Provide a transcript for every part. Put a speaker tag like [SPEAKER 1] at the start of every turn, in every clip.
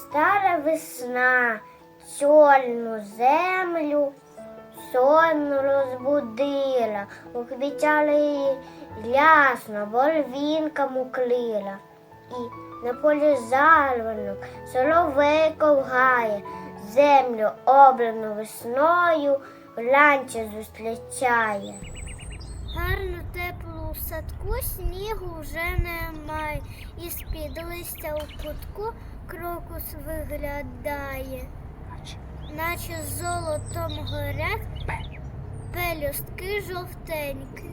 [SPEAKER 1] Стара весна чорну землю сонно розбудила, уквітяла її ясно, борвінка муклила. І на полі зарванок соловейко вгає, землю обрану весною вранці зустрічає.
[SPEAKER 2] Гарно тепло у садку, снігу вже немає, і з-під листя у кутку крокус виглядає, наче золотом горять пелюстки жовтенькі.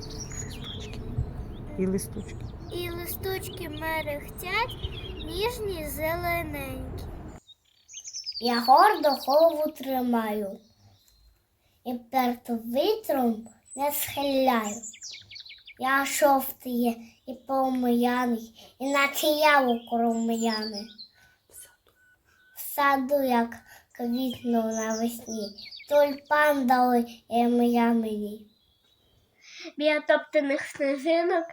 [SPEAKER 2] І листочки мерехтять, ніжні зелененькі.
[SPEAKER 1] Я гордо голову тримаю і перед вітром не схиляю. Я жовтий і помияний, і наче яблуко рум'яне. В саду, як квітнув навесні, тюльпан дали ім'я мені. Біля топтаних сніжинок,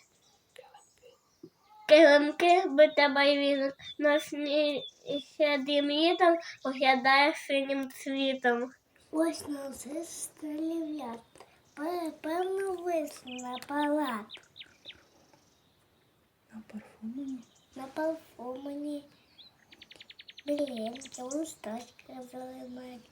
[SPEAKER 1] килимки бита байвінок, на сні ще дім'їтом поглядає синім цвітом. Ось на зестрілят, певно висну на палат. На парфумені. Блінки, листочки зелененькі.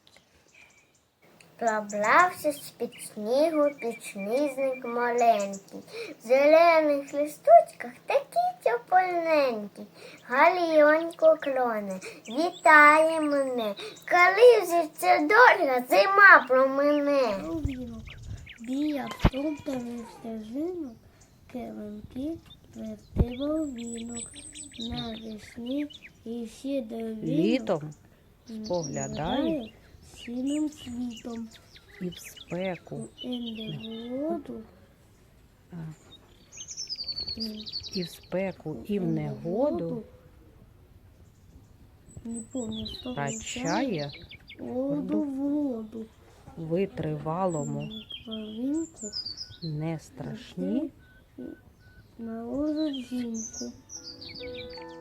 [SPEAKER 1] Проблався з-під снігу підсніжник маленький. В зелених листочках такі топольненькі. Галіонько клоне, вітає мене, коли вже ця доля зима промине. Біля топтаних стежинок, килимки плетив вінок. Навесні і ще до
[SPEAKER 3] Літом споглядає
[SPEAKER 1] синим світом.
[SPEAKER 3] і в спеку, і в негоду втрачає
[SPEAKER 1] воду в воду.
[SPEAKER 3] витривалому
[SPEAKER 1] Половинку
[SPEAKER 3] не страшні
[SPEAKER 1] на жінку.